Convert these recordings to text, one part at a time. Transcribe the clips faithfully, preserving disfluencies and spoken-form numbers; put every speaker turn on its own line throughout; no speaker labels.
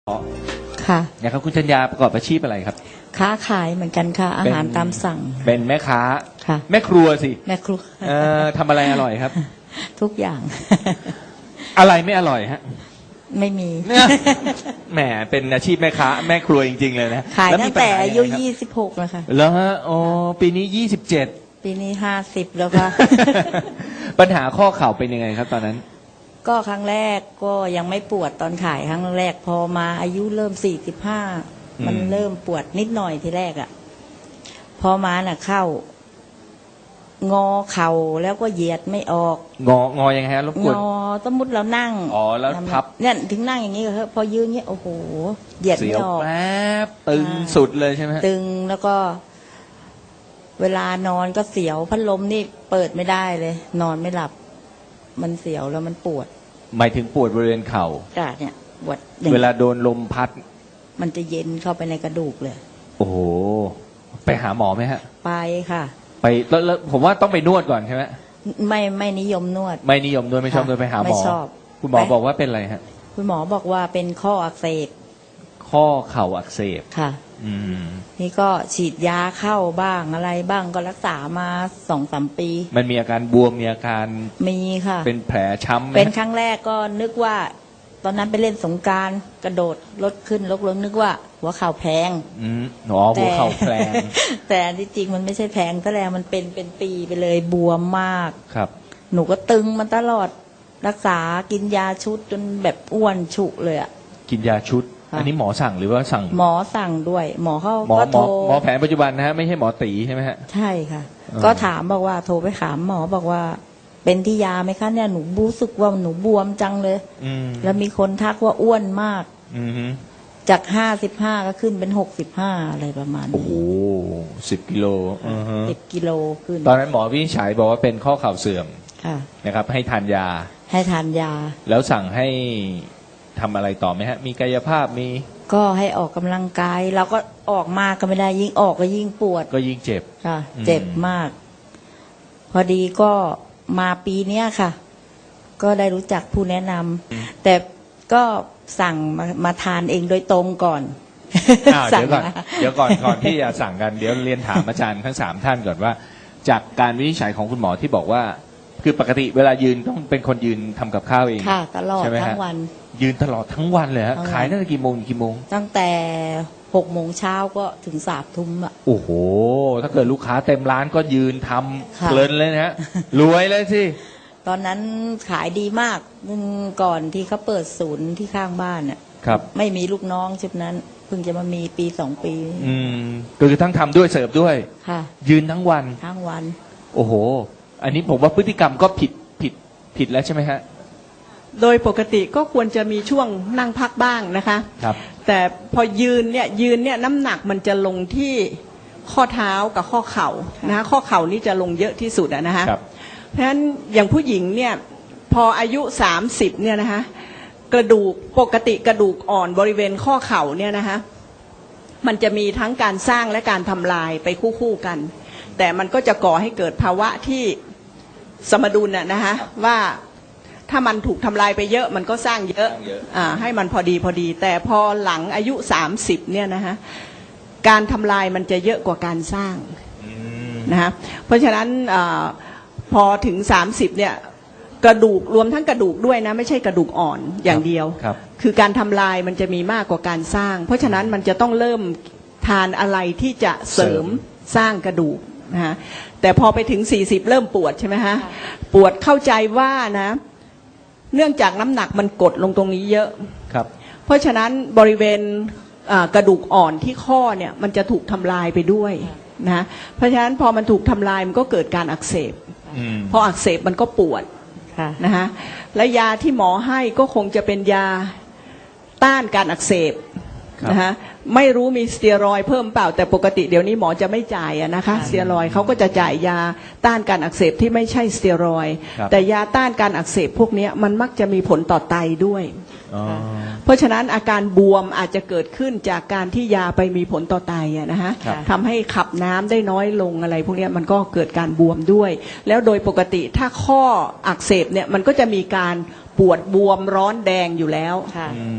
อ๋อ
ค่ะ
นะครับคุณจัญญาประกอบอาชีพอะไรครับ
ค้าขายเหมือนกันค่ะอาหารตามสั่ง
เป็นแม่ค้า
ค่ะ
แม่ครัวสิ
แม่ครัว
เอ่อทำอะไรอร่อยครับ
ทุกอย่าง
อะไรไม่อร่อยฮะ
ไม่มี
เนี่ยแหมเป็นอาชีพแม่ค้าแม่ครัวจริงๆเลยนะ
ขาย
ล้ว
ตั้
มี
ง
ปัญ
แต่
ห
อายุ
งไงครับ
ยี่สิบหกแล้วค่ะ
แล้วฮะอ๋อปีนี้ยี่สิบเจ็ด
ปีนี้ห้าสิบแล้วค่ะ
ปัญหาข้อเข่าเป็นยังไงครับตอนนั้น
ก็ครั้งแรกก็ยังไม่ปวดตอนขายครั้งแรกพอมาอายุเริ่มสี่สิบห้ามันเริ่มปวดนิดหน่อยทีแรกอ่ะพอมาน่ะเข้างอเข่าแล้วก็เหยียดไม่ออก
งองอยังไงฮะรบกวน
งอสมมติเรานั่ง
อ๋อแล้วพับ
เนี่ยถึงนั่งอย่างนี้ก็พอยืนเงี้ยโอ้โหเหยียดไม่ออก
แป๊บตึงสุดเลยใช่ไหม
ตึงแล้วก็ เวลานอนก็เสียวพัดลมนี่เปิดไม่ได้เลย นอนไม่หลับ มันเสียวแล้วมันปวด
หมายถึงปวดบริเวณเข่า
จ้ะเนี่ยปวด
เวลาโดนลมพัด
มันจะเย็นเข้าไปในกระดูกเลย
โอ้โหไปหาหมอไหมฮะ
ไปค่ะ
ไปแล้วแล้วผมว่าต้องไปนวดก่อนใช่ไหม
ไม่ไม่นิยมนวด
ไม่นิยมนวดไม่ชอบนวดไปหาหมอ
ไม่ชอบ
คุณหมอบอกว่าเป็นอะไรฮะ
คุณหมอบอกว่าเป็นข้ออักเสบ
ข้อเข่าอักเสบ
ค่ะ
อืม
นี่ก็ฉีดยาเข้าบ้างอะไรบ้างก็รักษามาสองสามปี
มันมีอาการบวมมีอาการ
มีค่ะ
เป็นแผลช้ำ
เป็นครั้งแรกก็นึกว่า ตอนนั้นไปเล่นสงกรานต์กระโดดรถขึ้นรถลงนึกว่า หัวเข่าแพง
อืมอ๋อหัวเข่าแพง
แต่ที่จริงมันไม่ใช่แพงแต่แล้วมันเป็นเป็นปีไปเลยบวมมาก
ครับ
หนูก็ตึงมันตลอดรักษากินยาชุดจนแบบอ้วนฉุเลยอ่ะ
กินยาชุดอันนี้หมอสั่งหรือว่าสั่ง
หมอสั่งด้วย หมอเขา
ก็
โทร
หมอแผนปัจจุบันนะฮะไม่ใช่หมอตีใช่ไหมฮะ
ใช่ค่ะก็ถามบอกว่าโทรไปถามหมอบอกว่าเป็นที่ยาไหมคะเนี่ยหนูรู้สึกว่าหนูบวมจังเลยแล้วมีคนทักว่าอ้วนมากจากห้าสิบห้าก็ขึ้นเป็นหกสิบห้าอะไรประมาณนี้
โอ้โหสิบกิโล
สิบกิโลขึ้น
ตอนนั้นหมอวินิจฉัยบอกว่าเป็นข้อเข่าเสื่อมนะครับให้ทานยา
ให้ทานยา
แล้วสั่งให้ทำอะไรต่อไหมฮะมีกายภาพมี
ก็ให้ออกกำลังกายเราก็ออกมากก็ไม่ได้ยิ่งออกก็ยิ่งปวด
ก็ยิ่งเจ็บ
ค่ะเจ็บมากพอดีก็มาปีเนี้ยค่ะก็ได้รู้จักผู้แนะนำแต่ก็สั่งมามาทานเองโดยตรงก่อน
เดี๋ยวก่อนเดี๋ยวก่อนก่อนที่จะสั่งกันเดี๋ยวเรียนถามอาจารย์ทั้งสามท่านก่อนว่าจากการวินิจฉัยของคุณหมอที่บอกว่าคือปกติเวลายืนต้องเป็นคนยืนทำกับข้าวเอง
ค่ะตลอดทั้งวัน
ยืนตลอดทั้งวันเลยฮะขายตั้งแต่กี่โมงกี่โมง
ตั้งแต่หกโมงเช้าก็ถึงสามทุ่มอ่ะ
โอ้โหถ้าเกิดลูกค้าเต็มร้านก็ยืนทำเพลินเลยนะฮะรวยเลยสิ
ตอนนั้นขายดีมากก่อนที่เขาเปิดศูนย์ที่ข้างบ้านอ่ะ
ครับ
ไม่มีลูกน้องชุดนั้นเพิ่งจะมามีปีสองปี
อืมก็คือทั้งทำด้วยเสิร์ฟด้วย
ค่ะ
ยืนทั้งวัน
ทั้งวัน
โอ้โหอันนี้ผมว่าพฤติกรรมก็ผิดผิดผิดแล้วใช่ไหมฮะ
โดยปกติก็ควรจะมีช่วงนั่งพักบ้างนะคะ
ครับ
แต่พอยืนเนี่ยยืนเนี่ยน้ำหนักมันจะลงที่ข้อเท้ากับข้อเข่านะข้อเข่านี่จะลงเยอะที่สุดอะนะคะเพราะฉะนั้นอย่างผู้หญิงเนี่ยพออายุสามสิบเนี่ยนะคะกระดูกปกติกระดูกอ่อนบริเวณข้อเข่าเนี่ยนะคะมันจะมีทั้งการสร้างและการทำลายไปคู่ๆกันแต่มันก็จะก่อให้เกิดภาวะที่สมดุลน่ะนะคะว่าถ้ามันถูกทำลายไปเยอะมันก็สร้างเยอะอ่าให้มันพอดีพอดีแต่พอหลังอายุสามสิบเนี่ยนะคะการทำลายมันจะเยอะกว่าการสร้างนะคะเพราะฉะนั้นอ่าพอถึงสามสิบเนี่ยกระดูกรวมทั้งกระดูกด้วยนะไม่ใช่กระดูกอ่อนอย่างเดียวคือการทำลายมันจะมีมากกว่าการสร้างเพราะฉะนั้นมันจะต้องเริ่มทานอะไรที่จะเสริมสร้างกระดูกนะฮะแต่พอไปถึงสี่สิบเริ่มปวดใช่ไหมฮะปวดเข้าใจว่านะเนื่องจากน้ำหนักมันกดลงตรงนี้เยอะ
ครับ
เพราะฉะนั้นบริเวณกระดูกอ่อนที่ข้อเนี่ยมันจะถูกทำลายไปด้วยนะเพราะฉะนั้นพอมันถูกทำลายมันก็เกิดการอักเสบพออักเสบมันก็ปวดนะฮะและยาที่หมอให้ก็คงจะเป็นยาต้านการอักเสบนะฮะไม่รู้มีสเตียรอยด์เพิ่มเปล่าแต่ปกติเดี๋ยวนี้หมอจะไม่จ่ายอะนะคะสเตียรอยด์เขาก็จะจ่ายยาต้านการอักเสบที่ไม่ใช่สเตียรอยด์แต่ยาต้านการอักเสบพวกนี้มันมักจะมีผลต่อไตด้วยเพราะฉะนั้นอาการบวมอาจจะเกิดขึ้นจากการที่ยาไปมีผลต่อไตอะนะฮะทำให้ขับน้ำได้น้อยลงอะไรพวกนี้มันก็เกิดการบวมด้วยแล้วโดยปกติถ้าข้ออักเสบเนี่ยมันก็จะมีการปวดบวมร้อนแดงอยู่แล้ว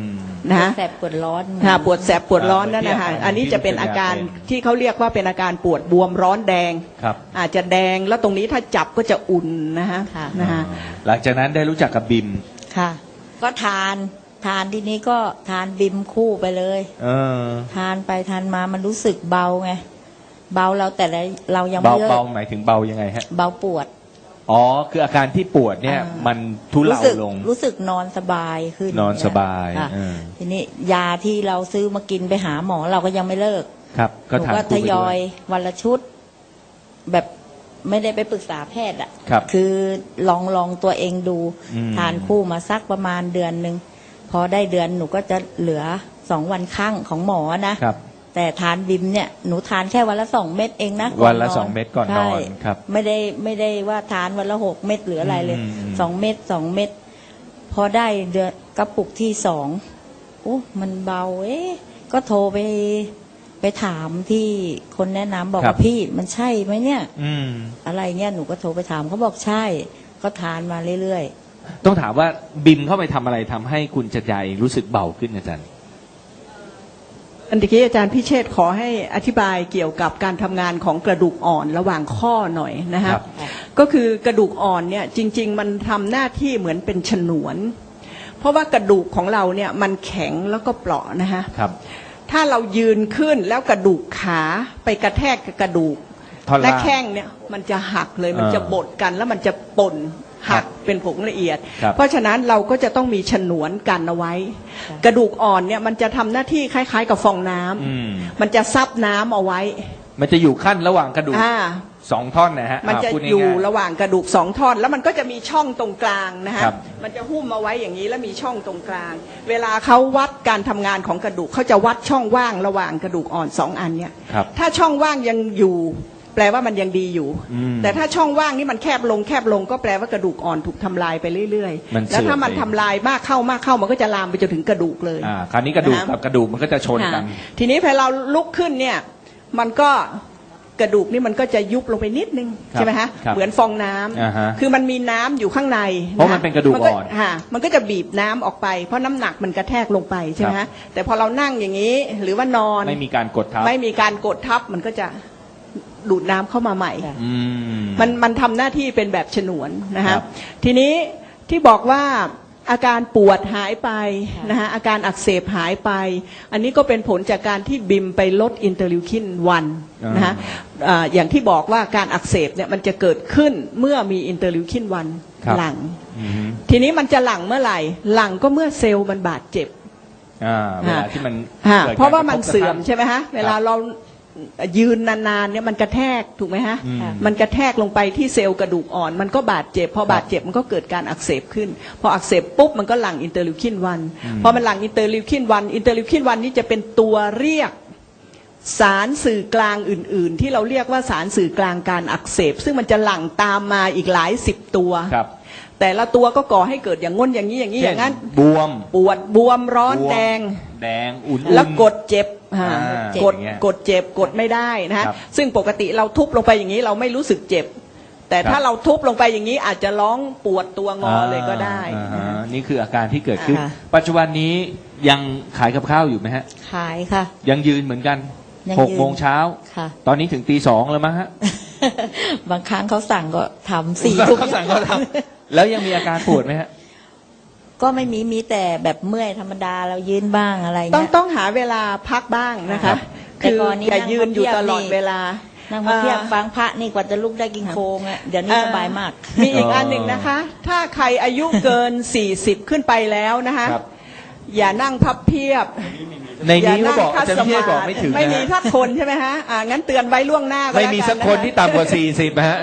นะ
แสบปวดร้อน
ค่ะปวดแสบปวดร้อนนั่นนะคะ
อ่า
อันนี้จะเป็นอาการที่เขาเรียกว่าเป็นอาการปวดบวมร้อนแดง
ครับ
อาจจะแดงแล้วตรงนี้ถ้าจับก็จะอุ่นนะคะ
ค่ะ
นะคะ
หลังจากนั้นได้รู้จักกับบิม
ค่ะ ก็ทานทานทีนี้ก็ทานบิมคู่ไปเลย
เออ
ทานไปทานมามันรู้สึกเบาไงเบาเราแต่ละเรายัง
เบา
ไม่เลิก
เบาหมายถึงเบายังไงฮะ
เบาปวด
อ๋อคืออาการที่ปวดเนี่ย
อ่ามั
มันทุเลา
รู้สึก
ลง
รู้สึกนอนสบายขึ้น
นอนสบาย
ค่ะ
เออ
ทีนี้ยาที่เราซื้อมากินไปหาหมอเราก็ยังไม่เลิก
ครับ ก็
หนู
ทาน
ก็
คู่
ท
ไป
ย
ด้
อ
วย ย
วันละชุด แบบไม่ได้ไปปรึกษาแพทย์อ่ะ
ครับ
คือลองลองตัวเองดู
อืม
ทานคู่มาสักประมาณเดือนหนึ่งพอได้เดือนหนูก็จะเหลือสองวันครั้งของหมอนะครับ แต่ทานบิมเนี่ยหนูทานแค่วันละสองเม็ดเองนะก่
วันละ
น
สองเม็ดก่อนนอน
ใช่
ครับ
ไม่ได้ไม่ได้ว่าทานวันละหกเม็ดหรืออะไรเลย
อืมอืม
สองเม็ดสองเม็ดพอได้เดือนกระปุกที่สองโอ้มันเบาเอ๊ะก็โทรไปไปถามที่คนแนะนำบอกว่าพี่มันใช่ไหมเนี่ย
อืม
อะไรเนี่ยหนูก็โทรไปถามเขาบอกใช่ ก็ทานมาเรื่อย
ต้องถามว่าบิมเข้าไปทำอะไรทำให้คุณจัดยาเองรู้สึกเบาขึ้นอาจารย์
อันตะกี้อาจารย์พิเชษฐ์ขอให้อธิบายเกี่ยวกับการทำงานของกระดูกอ่อนระหว่างข้อหน่อยนะฮะ
ครับ
ก็คือกระดูกอ่อนเนี่ยจริง ๆ มันทำหน้าที่เหมือนเป็นฉนวน เพราะว่ากระดูกของเราเนี่ยมันแข็งแล้วก็เปราะนะฮะ
ครับ
ถ้าเรายืนขึ้นแล้วกระดูกขาไปกระแทกกับกระดูก
ท่อน
และ
ล่าง
แข้งเนี่ยมันจะหักเลยมัน
อ่า
จะบดกันแล้วมันจะป่นหัก
ครับ
เป็นผงละเอียด
ครับ
เพราะฉะนั้นเราก็จะต้องมีฉนวนกันเอาไว้ กระดูกอ่อนเนี่ยมันจะทำหน้าที่คล้ายๆ กับฟองน้ำ
อืม
มันจะซับน้ำเอาไว้
มันจะอยู่ขั้นระหว่างกระดูก
อ่า
สองท่อนนะฮะ
มันจะ
พูดง่าๆ
อยู่ระหว่างกระดูกสองท่อน แล้วมันก็จะมีช่องตรงกลางนะฮะ
ครับ
มันจะหุ้มเอาไว้อย่างนี้แล้วมีช่องตรงกลาง เวลาเขาวัดการทำงานของกระดูกเขาจะวัดช่องว่างระหว่างกระดูกอ่อนสองอันเนี่ย
ครับ
ถ้าช่องว่างยังอยู่ แปลว่ามันยังดีอยู่
อืม
แต่ถ้าช่องว่างนี่มันแคบลงแคบลงก็แปลว่ากระดูกอ่อนถูกทำลายไปเรื่อย
มัน
ๆ แล้วถ้ามัน
เสื่อมไป
ทำลายมากเข้ามากเข้ามันก็จะลามไปจนถึงกระดูกเลย
อ่าคราวนี้กระดูก
นะ
กับกระดูกมันก็จะชนกัน
ค่ะทีนี้พอเราลุกขึ้นเนี่ยมันก็กระดูกนี่มันก็จะยุบลงไปนิดนึง
ครับ
ใช่ไหมฮะ
ครับ
เหมือนฟองน้ำ
อ่าฮะ
คือมันมีน้ำอยู่ข้างใน
เพราะมันเป็นกระดูกอ่อน
ค่ะมันก็จะบีบน้ำออกไปเพราะน้ำหนักมันกระแทกลงไปใช่ไหม
ครั
ฮะ
บ
แต่พอเรานั่งอย่างนี้หรือว่านอน
ไม่มีการกดทับ
ไม่มีการกดทับมันก็จะดูดน้ำเข้ามาใหม่
ค่ะ
อืม
มันมันทำหน้าที่เป็นแบบฉนวนนะ
ครั
ฮะ
บ
ทีนี้ที่บอกว่าอาการปวดหายไป
ค่ะ
นะฮะอาการอักเสบหายไป อันนี้ก็เป็นผลจากการที่บิมไปลดอินเตอร์ลิวคินวันนะฮะอ่าอย่างที่บอกว่าการอักเสบเนี่ยมันจะเกิดขึ้นเมื่อมีอินเตอร์ลิวคินวัน
ครับ
หลัง
อืม
ทีนี้มันจะหลังเมื่อไหร่ หลังก็เมื่อเซลล์มันบาดเจ็บ
อ่าเวลาที่มัน
ฮะ
กิดก
เพราะว่ามัน
กทบก
เสื่อม
ทั่ง
ใช่ไหมฮะเวลาเรายืนนานๆเนี่ยมันกระแทกถูกไหมฮะ
อืม
มันกระแทกลงไปที่เซลล์กระดูกอ่อน มันก็บาดเจ็บพอบาดเจ็บมันก็เกิดการอักเสบขึ้น พออักเสบปุ๊บมันก็หลั่งอินเตอร์ลิวคินวันพอมันหลั่งอินเตอร์ลิวคินวันอินเตอร์ลิวคินวันนี่จะเป็นตัวเรียกสารสื่อกลางอื่น ๆ ที่เราเรียกว่าสารสื่อกลางการอักเสบ ซึ่งมันจะหลั่งตามมาอีกหลายสิบตัว
ครับ
แต่ละตัวก็ก่อให้เกิดอย่างง้นอย่างนี้อย่างนี้อย่างนั้น
เช่บวม
ปวดบวมร้อน
บวม
แดง
แดงอุ่นๆ
แล้วกดเจ็บฮะ
อ่าก
ด
อย่างเงี้ย
กดเจ็บกดไม่ได้นะฮะ
ครับ
ซึ่งปกติเราทุบลงไปอย่างนี้เราไม่รู้สึกเจ็บ แต่
ครับ
ถ้าเราทุบลงไปอย่างนี้อาจจะร้องปวดตัวงอเลยก็ได้
อ่า
นะ
ฮะ
ฮะ
นี่คืออาการที่เกิดขึ้น
ค่ะ
ปัจจุบันนี้ยังขายกับข้าวอยู่ไหมฮะ
ขายค่ะ
ยังยืนเหมือนกัน
ยัง
หก
ยืน
โมงเช้า
ค่ะ
ตอนนี้ถึงตีสองแล้วมั้งฮะ
บางครั้งเขาสั่งก็ทำสี่ทุ่ม
เขาสั่งเขาทำแล้วยังมีอาการปวดไหมฮะ
ก็ไม่มีมีแต่แบบเมื่อยธรรมดาเรายืนบ้างอะไร
ต้อง
เงี้ย
ต้องหาเวลาพักบ้างนะ
ครั
คะ
บ
แต่
คือ
ก่อนนี้
อย่ายืนอยู่ตลอด
นั่งพับเพียบนี่
เวลา
นั่งมาเพียบ
อ่า
ฟังพระนี่กว่าจะลุกได้กินโคงอ่ะเดี๋ยวนี้สบายมาก
มีอีก
อ๋ออั
อันหนึ่งนะคะ ถ้าใครอายุเกิน สี่สิบขึ้นไปแล้วนะคะ
ครับ
อย่านั่งพับเพียบ
ในนี้เขาบอก
คั
อา
ด
จารย์
ส
พี่
มา
บอก
ธิ
ไม่ถึง
ไม่
นะ
มี
ฮะ
ทักคนใช่ไหมฮะอ่างั้นเตือนไว้ล่วงหน้าก็
ไม่
แล้ว
มี
กั
สักคนที่ต่ำกว่าสี่สิบนะฮะ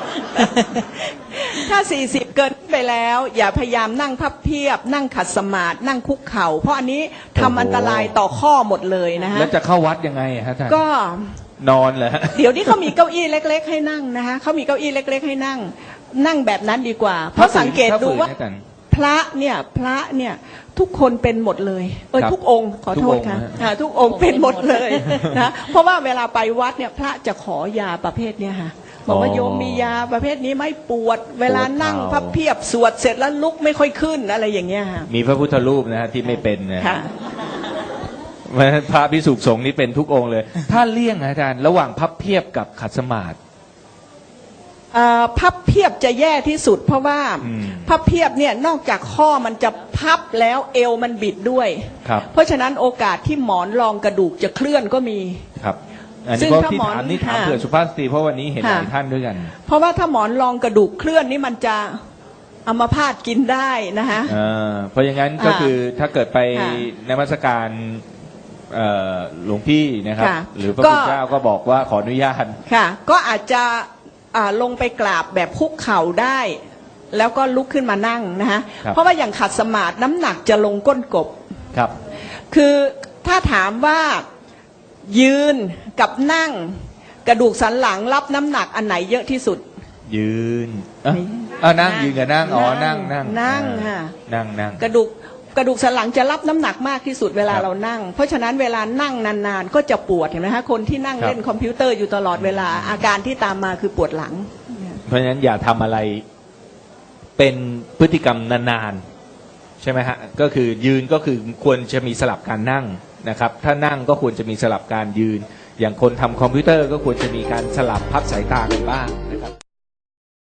ถ้า สี่สิบ เกินไปแล้ว อย่าพยายามนั่งพับเพียบ นั่งขัดสมาธินั่งคุกเข่า เพราะอันนี้ทำ
โอ้โห
อันตรายต่อข้อหมดเลยนะฮะ
แล้วจะเข้าวัดยังไงอะฮะท่าน
ก็
นอนเหรอฮะ
เดี๋ยวนี้เขามีเก้าอี้เล็ก ๆ ให้นั่งนะคะเขามีเก้าอี้เล็ก ๆ ให้นั่ง นั่งแบบนั้นดีกว่า เพราะสังเกตดูว่า
ถ้ฝืนนะอาจารย์
พระเนี่ยพระเนี่ยทุกคนเป็นหมดเลยเออ
ครับ
ทุกองค์ขอโทษ
ทุกองค์
ค่ะ
นะฮะ
อ่าทุกองค์เป็นหมดเลยนะเพราะว่าเวลาไปวัดเนี่ยพระจะขอยาประเภทเนี่ยค่ะบอกว่าโยมมียาประเภทนี้ไหม่ปวด เวลานั่งพับเพียบสวดเสร็จแล้วลุกไม่ค่อยขึ้นอะไรอย่างเงี้ยค่ะ
มีพระพุทธรูปนะฮะที่ไม่เป็นนะ
ค่ะ
พระภิกษุสงฆ์นี่เป็นทุกองค์เลย ถ้าเลี่ยงอาจารย์ระหว่างพับเพียบกับขัดสมาธิ
เอ่อพับเพียบจะแย่ที่สุด เพราะว่า
อืม
พับเพียบเนี่ยนอกจากข้อมันจะพับแล้วเอวมันบิดด้วย
ครับ
เพราะฉะนั้นโอกาสที่หมอนรองกระดูกจะเคลื่อนก็มี
ครับอัน
ซึ่
นี้
ง
ก็
ถ้า
ที่
หมอน
ถามนี่ถาม
ค่ะ
เผื่อสุภาพสตรีเพราะวันนี้เห็นห
ค่ะ
ลายท่านด้วยกัน
เพราะว่าถ้าหมอนรองกระดูกเคลื่อนนี่มันจะอัมพาตกินได้นะคะ
เออเพราะอย่างนั้นก็
ค่ะ
คือถ้าเกิดไป
ค่ะ
นมัสการเอ่อหลวงพี่นะครับ
ค่ะ
หรือพระ
ก็
คุณเจ้าก็บอกว่าขออนุญาต
ค่ะ ก็อาจจะอ่าลงไปกราบแบบคุกเข่าได้ แล้วก็ลุกขึ้นมานั่งนะคะ
ครับ
เพราะว่าอย่างขัดสมาธิน้ำหนักจะลงก้นกบ
ครับ
คือถ้าถามว่ายืนกับนั่งกระดูกสันหลังรับน้ำหนักอันไหนเยอะที่สุด
ยืนอ่ะอ่ะนั่งยืนกับนั่งอ๋อ
นั่
นั่ง
ง
นั่ง
นั่ง
อ่า
ค่ะ
นั่งนั่ง
กระดูกกระดูกสันหลังจะรับน้ำหนักมากที่สุดเวลา
ครับ
เรานั่ง เพราะฉะนั้นเวลานั่งนานๆก็จะปวดเห็นไหมคะคนที่นั่ง
ครับ
เล่นคอมพิวเตอร์อยู่ตลอดเวลาอาการที่ตามมาคือปวดหลัง
เพราะฉะนั้นอย่าทำอะไรเป็นพฤติกรรมนานๆใช่ไหมฮะก็คือยืนก็คือควรจะมีสลับการนั่งนะครับ ถ้านั่งก็ควรจะมีสลับการยืน อย่างคนทำคอมพิวเตอร์ก็ควรจะมีการสลับพักสายตากันบ้างนะครับ